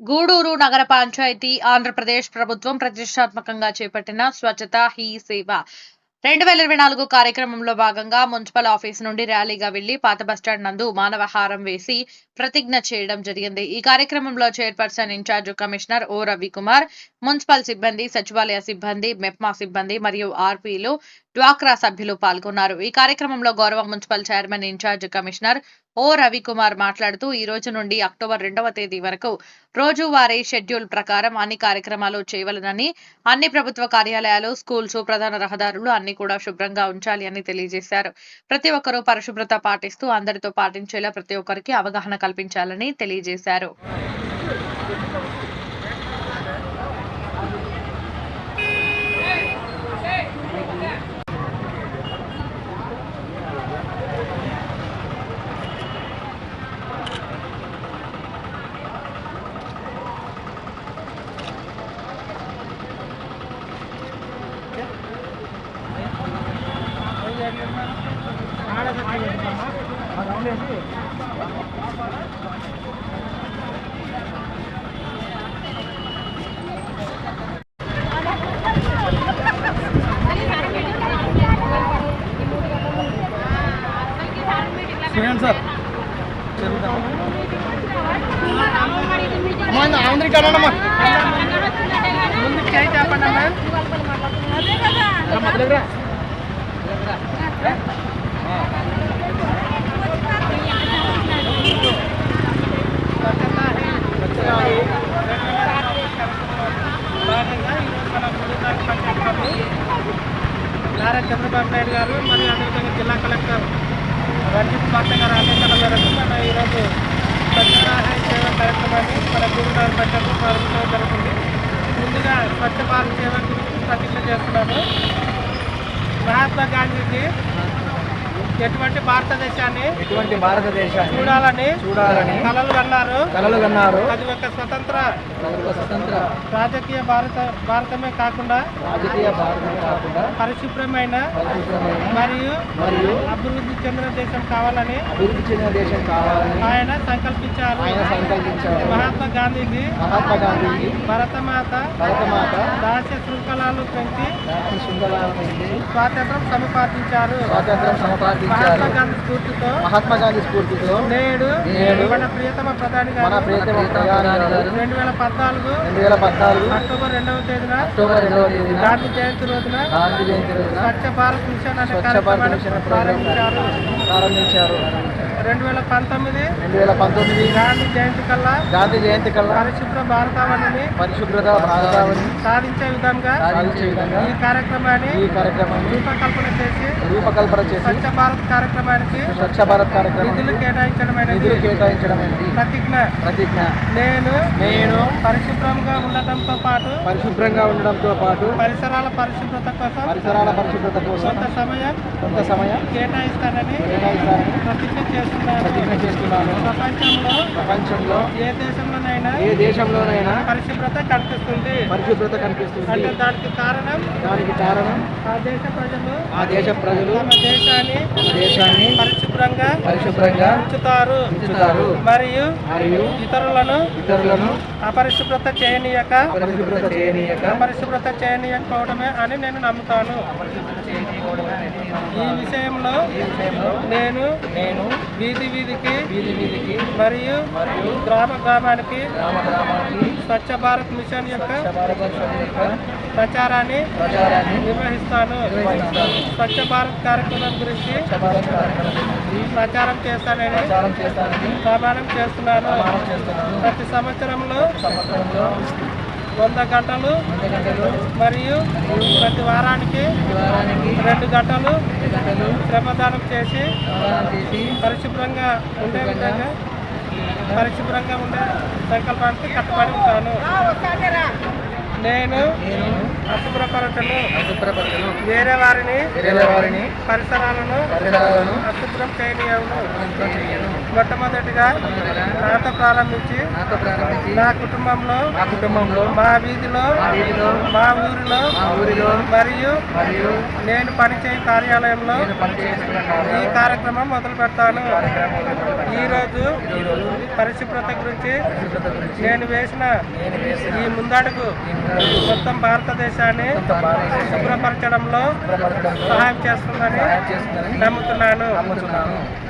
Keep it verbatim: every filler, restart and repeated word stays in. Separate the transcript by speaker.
Speaker 1: గూడూరు నగర పంచాయతీ ఆంధ్రప్రదేశ్ ప్రభుత్వం ప్రతిష్టాత్మకంగా చేపట్టిన స్వచ్ఛత హీ సేవ రెండు వేల ఇరవై నాలుగు కార్యక్రమంలో భాగంగా మున్సిపల్ ఆఫీస్ నుండి ర్యాలీగా వెళ్లి పాత బస్టాండ్ నందు మానవహారం వేసి ప్రతిజ్ఞ చేయడం జరిగింది. ఈ కార్యక్రమంలో chairperson incharge commissioner O Ravikumar, municipal సిబ్బంది, సచివాలయ సిబ్బంది, మెప్మా సిబ్బంది మరియు ఆర్పీలు, డ్వాక్రా సభ్యులు పాల్గొన్నారు. ఈ కార్యక్రమంలో గౌరవ municipal chairman incharge commissioner O Ravikumar మాట్లాడుతూ ఈ రోజు నుండి అక్టోబర్ రెండవ తేదీ వరకు రోజువారీ షెడ్యూల్ ప్రకారం అన్ని కార్యక్రమాలు చేయవలనని, అన్ని ప్రభుత్వ కార్యాలయాలు, స్కూల్స్, ప్రధాన రహదారులు అన్ని కూడా శుభ్రంగా ఉంచాలి అని తెలియజేశారు. ప్రతి ఒక్కరూ పరిశుభ్రత పాటిస్తూ అందరితో పాటించేలా ప్రతి ఒక్కరికి అవగాహన కల్పించాలని తెలియజేశారు.
Speaker 2: సార్ ఆంధ్రీ కడమ్మా ముందుకు చేయి చెప్పండి అమ్మా మొదలుగా నారా చంద్రబాబు నాయుడు గారు మరియు అదేవిధంగా జిల్లా కలెక్టర్ రంజిత్ పాట్ల గారు ఆదేశాల మేరకు మన ఈరోజు స్వచ్ఛతా హై సేవ కార్యక్రమాన్ని మన గూడూరు పంచాయతీ ప్రారంభించడం జరుగుతుంది. ముందుగా స్వచ్ఛ భారత్ సేవ గురించి ప్రతిజ్ఞ చేస్తున్నాము. మహాత్మా గాంధీజీ ఎటువంటి భారతదేశాన్ని ఎటువంటి భారతదేశాన్ని చూడాలని చూడాలని కలలు కన్నారు కలలు కన్నారు అది ఒక స్వతంత్ర స్వతంత్ర రాజకీయ భారత భారతమే కాకుండా రాజకీయ భారతమే కాకుండా పరిశుభ్రమైన మరియు మరియు అభివృద్ధి చెందిన దేశం కావాలని అభివృద్ధి చెందిన దేశం కావాలని ఆయన సంకల్పించారు ఆయన సంకల్పించారు మహాత్మా గాంధీజీ మహాత్మా గాంధీజీ భరతమాత భరతమాత దాస్య శృంఖలాలు పెంచి దాస్య శృంఖలాలు పెంచి స్వాతంత్రం సముపార్జించారు స్వాతంత్రం సముపార్జించారు మహాత్మా గాంధీ స్ఫూర్తితో మహాత్మా గాంధీ స్ఫూర్తితో నేడు నేడు మన ప్రియతమ ప్రధాని గారు మన ప్రియతమ ప్రధాని గారు రెండు వేల పద్నాలుగు రెండు వేల పద్నాలుగు అక్టోబర్ రెండవ తేదీన అక్టోబర్ రెండవ తేదీన గాంధీ జయంతి రోజున గాంధీ జయంతి రోజున స్వచ్ఛ భారత్ మిషన్ అనే కార్యక్రమాన్ని ప్రారంభించారు ప్రారంభించారు రెండు వేల పంతొమ్మిది రెండు వేల పంతొమ్మిది గాంధీ జయంతి కల్లా గాంధీ జయంతి కల్లా పరిశుభ్ర భారతావనిని పరిశుభ్రత భారతావని సాధించే విధంగా సాధించే విధంగా ఈ కార్యక్రమాన్ని ఈ కార్యక్రమాన్ని రూపకల్పన చేసి రూపకల్పన చేసి స్వచ్ఛ భారత్ కార్యక్రమానికి స్వచ్ఛ భారత్ కార్యక్రమం నిధులు కేటాయించడమైనది నిధులు కేటాయించడమైనది ప్రతిజ్ఞ ప్రతిజ్ఞ నేను నేను పరిశుభ్రంగా ఉండటంతో పాటు పరిశుభ్రంగా ఉండడంతో పాటు పరిసరాల పరిశుభ్రత కోసం పరిసరాల పరిశుభ్రత కోసం కొంత సమయం కొంత సమయం కేటాయిస్తానని కేటాయిస్తానని ప్రతిజ్ఞ చేస్తున్నాను ప్రతిజ్ఞ చేస్తున్నాను ప్రపంచంలో ప్రపంచంలో ఏ దేశంలోనైనా ఏ దేశంలోనైనా పరిశుభ్రత కనిపిస్తుంది పరిశుభ్రత కనిపిస్తుంది అంటే దానికి కారణం దానికి కారణం ఆ దేశ ప్రజలు ఆ దేశ ప్రజలు తమ దేశాన్ని దేశాన్ని పరిశుభ్రంగా పరిశుభ్రంగా ఉంచుతారు ఉంచుతారు మరియు మరియు ఇతరులను ఇతరులను అపరిశుభ్రత చేయనీయక అపరిశుభ్రత చేయనీయక అపరిశుభ్రత చేయనీయకపోవడమే అని నేను నమ్ముతాను. ఈ విషయంలో నేను నేను వీధి వీధికి వీధి వీధికి మరియు మరియు గ్రామ గ్రామానికి గ్రామ గ్రామానికి స్వచ్ఛ భారత్ మిషన్ యొక్క ప్రచారాన్ని ప్రచారాన్ని నిర్వహిస్తాను స్వచ్ఛ భారత్ కార్యక్రమం గురించి ప్రచారం చేస్తానని ప్రమాణం చేస్తున్నాను. ప్రతి సంవత్సరంలో వంద గంటలు మరియు ప్రతి వారానికి రెండు గంటలు శ్రమదానం చేసి పరిశుభ్రంగా ఉండే విధంగా పరిశుభ్రంగా ఉండే సంకల్పానికి కట్టుబడి ఉంటాను. నేను అశుభ్రపరచను
Speaker 3: అశుభ్రపరచను
Speaker 2: వేరే వారిని
Speaker 3: వేరే వారిని
Speaker 2: పరిసరాలను
Speaker 3: పరిసరాలను
Speaker 2: అశుభ్రం చేయనీయను.
Speaker 3: అశుభ్రం చేయను.
Speaker 2: మొట్టమొదటిగా నాతో ప్రారంభించి
Speaker 3: నాతో ప్రారంభించి
Speaker 2: నా కుటుంబంలో
Speaker 3: మా కుటుంబంలో
Speaker 2: మా వీధిలో
Speaker 3: మా వీధిలో
Speaker 2: మా ఊరిలో
Speaker 3: మా ఊరిలో
Speaker 2: మరియు
Speaker 3: మరియు
Speaker 2: నేను పనిచేయ కార్యాలయంలో
Speaker 3: నేను పనిచేస్తున్న
Speaker 2: ఈ కార్యక్రమం మొదలు పెడతాను.
Speaker 3: కార్యక్రమం మొదలుపెడతాను.
Speaker 2: ఈ రోజు
Speaker 3: ఈరోజు
Speaker 2: పరిశుభ్రత గురించి
Speaker 3: పరిశుభ్రత గురించి
Speaker 2: నేను వేసిన
Speaker 3: నేను వేసిన
Speaker 2: ఈ ముందడుగు
Speaker 3: ఈ ముందడుగు
Speaker 2: మొత్తం భారతదేశాన్ని
Speaker 3: మొత్తం భారతదేశాన్ని
Speaker 2: శుభ్రపరచడంలో
Speaker 3: శుభ్రపరచడంలో
Speaker 2: సహాయం చేస్తుందని
Speaker 3: సహాయం చేస్తుందని
Speaker 2: నమ్ముతున్నాను.
Speaker 3: నమ్ముతున్నాను.